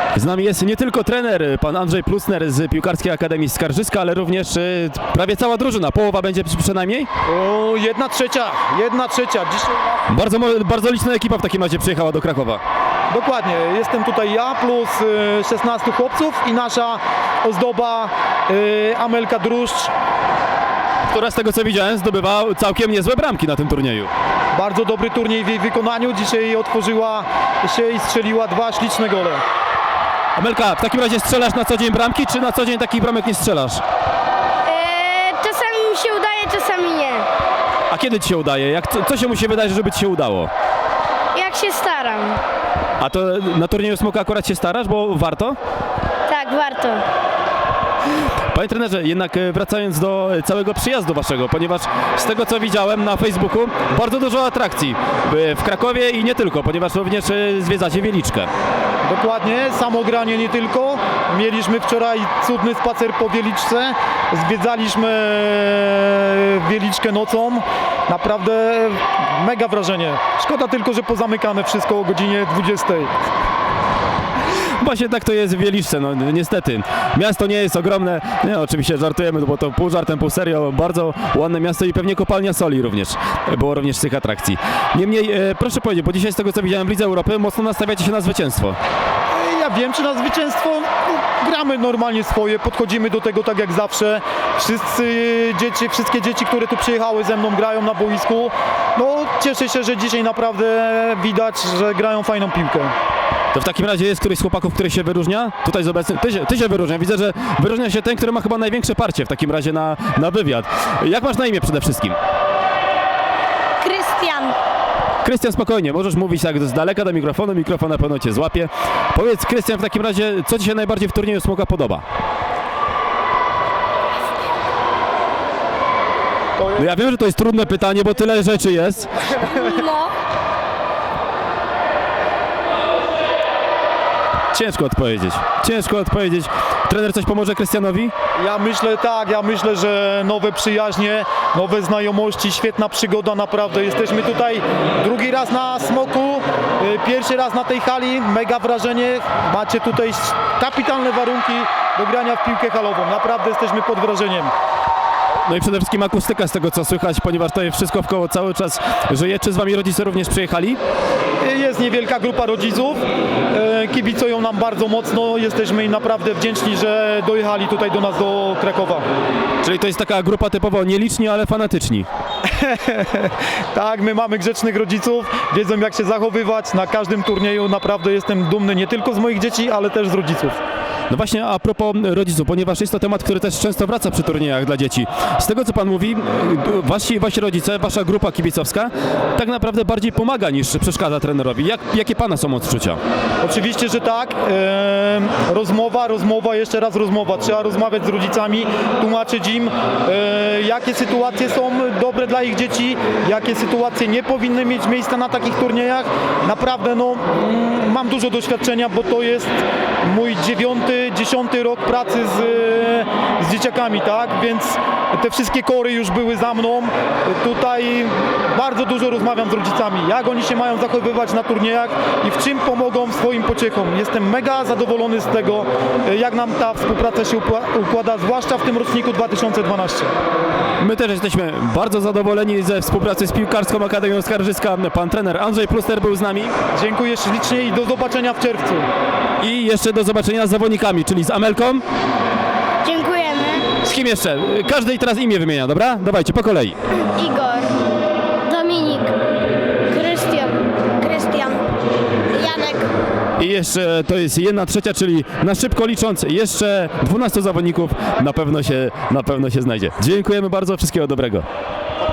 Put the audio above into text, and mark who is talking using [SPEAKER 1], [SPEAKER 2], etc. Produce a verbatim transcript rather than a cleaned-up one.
[SPEAKER 1] Z nami jest nie tylko trener, pan Andrzej Plusner z Piłkarskiej Akademii Skarżyska, ale również y, prawie cała drużyna. Połowa będzie przynajmniej?
[SPEAKER 2] O, jedna trzecia, jedna trzecia. Dzisiaj
[SPEAKER 1] Bardzo, mo- bardzo liczna ekipa w takim razie przyjechała do Krakowa.
[SPEAKER 2] dokładnie, jestem tutaj ja plus y, szesnastu chłopców i nasza ozdoba y, Amelka Druszcz.
[SPEAKER 1] Która z tego co widziałem zdobywa całkiem niezłe bramki na tym turnieju.
[SPEAKER 2] Bardzo dobry turniej w jej wykonaniu. Dzisiaj otworzyła się i strzeliła dwa śliczne gole.
[SPEAKER 1] Amelka, w takim razie strzelasz na co dzień bramki, czy na co dzień takich bramek nie strzelasz?
[SPEAKER 3] Eee, czasami mi się udaje, czasami nie.
[SPEAKER 1] A kiedy ci się udaje? Jak, co, co się musi wydać, żeby ci się udało?
[SPEAKER 3] Jak się staram.
[SPEAKER 1] A to na turnieju Smoka akurat się starasz, bo warto?
[SPEAKER 3] Tak, warto.
[SPEAKER 1] Panie trenerze, jednak e, wracając do e, całego przyjazdu waszego, ponieważ z tego co widziałem na Facebooku, bardzo dużo atrakcji e, w Krakowie i nie tylko, ponieważ również e, zwiedzacie Wieliczkę.
[SPEAKER 2] Dokładnie, samo granie nie tylko. Mieliśmy wczoraj cudny spacer po Wieliczce. Zwiedzaliśmy Wieliczkę nocą. Naprawdę mega wrażenie. Szkoda tylko, że pozamykane wszystko o godzinie dwudziestej.
[SPEAKER 1] Właśnie tak to jest w Wieliczce, no niestety. Miasto nie jest ogromne, nie, oczywiście żartujemy, bo to pół żartem, pół serio, bardzo ładne miasto i pewnie kopalnia soli również, było również z tych atrakcji. Niemniej, e, proszę powiedzieć, bo dzisiaj z tego co widziałem w Lidze Europy, mocno nastawiacie się na zwycięstwo.
[SPEAKER 2] Ja wiem, czy na zwycięstwo no, gramy normalnie swoje, podchodzimy do tego tak jak zawsze. Wszyscy dzieci, wszystkie dzieci, które tu przyjechały ze mną, grają na boisku. No, cieszę się, że dzisiaj naprawdę widać, że grają fajną piłkę.
[SPEAKER 1] To w takim razie jest któryś z chłopaków, który się wyróżnia? Tutaj z obecnych, ty się, ty się wyróżnia, widzę, że wyróżnia się ten, który ma chyba największe parcie w takim razie na, na wywiad. Jak masz na imię przede wszystkim?
[SPEAKER 3] Krystian.
[SPEAKER 1] Krystian, spokojnie, możesz mówić tak z daleka do mikrofonu, mikrofon na pewno cię złapie. Powiedz, Krystian, w takim razie, co ci się najbardziej w turnieju Smoka podoba? No ja wiem, że to jest trudne pytanie, bo tyle rzeczy jest.
[SPEAKER 3] No.
[SPEAKER 1] Ciężko odpowiedzieć, ciężko odpowiedzieć. Trener coś pomoże Krystianowi?
[SPEAKER 2] Ja myślę tak, ja myślę, że nowe przyjaźnie, nowe znajomości, świetna przygoda naprawdę. Jesteśmy tutaj drugi raz na Smoku, y, pierwszy raz na tej hali, mega wrażenie. Macie tutaj kapitalne warunki do grania w piłkę halową, naprawdę jesteśmy pod wrażeniem.
[SPEAKER 1] No i przede wszystkim akustyka z tego co słychać, ponieważ to jest wszystko wkoło cały czas żyje. Czy z wami rodzice również przyjechali?
[SPEAKER 2] Jest niewielka grupa rodziców, e, kibicują nam bardzo mocno, jesteśmy im naprawdę wdzięczni, że dojechali tutaj do nas do Krakowa.
[SPEAKER 1] Czyli to jest taka grupa typowo nieliczni, ale fanatyczni.
[SPEAKER 2] Tak, my mamy grzecznych rodziców, wiedzą jak się zachowywać na każdym turnieju, naprawdę jestem dumny nie tylko z moich dzieci, ale też z rodziców.
[SPEAKER 1] No właśnie a propos rodziców, ponieważ jest to temat, który też często wraca przy turniejach dla dzieci. Z tego co pan mówi, wasi, wasi rodzice, wasza grupa kibicowska tak naprawdę bardziej pomaga niż przeszkadza trenerowi. Jak, jakie pana są odczucia?
[SPEAKER 2] Oczywiście, że tak. E, rozmowa, rozmowa, jeszcze raz rozmowa. Trzeba rozmawiać z rodzicami, tłumaczyć im, e, jakie sytuacje są dobre dla ich dzieci, jakie sytuacje nie powinny mieć miejsca na takich turniejach. Naprawdę, no, mm, mam dużo doświadczenia, bo to jest mój dziewiąty, dziesiąty rok pracy z, z dzieciakami, tak? Więc te wszystkie kory już były za mną. Tutaj bardzo dużo rozmawiam z rodzicami, jak oni się mają zachowywać na turniejach i w czym pomogą swoim pociechom. Jestem mega zadowolony z tego, jak nam ta współpraca się układa, zwłaszcza w tym roczniku dwa tysiące dwunastym.
[SPEAKER 1] My też jesteśmy bardzo zadowoleni ze współpracy z Piłkarską Akademią Skarżyska. Pan trener Andrzej Plusner był z nami.
[SPEAKER 2] Dziękuję ślicznie i do zobaczenia w czerwcu.
[SPEAKER 1] I jeszcze do zobaczenia z zawodnikami, czyli z Amelką.
[SPEAKER 3] Dziękujemy.
[SPEAKER 1] Z kim jeszcze? Każdy teraz imię wymienia, dobra? Dawajcie, po kolei.
[SPEAKER 3] Igor. Dominik. Krystian. Krystian. Janek.
[SPEAKER 1] I jeszcze to jest jedna trzecia, czyli na szybko licząc jeszcze dwunastu zawodników na pewno się, na pewno się znajdzie. Dziękujemy bardzo, wszystkiego dobrego.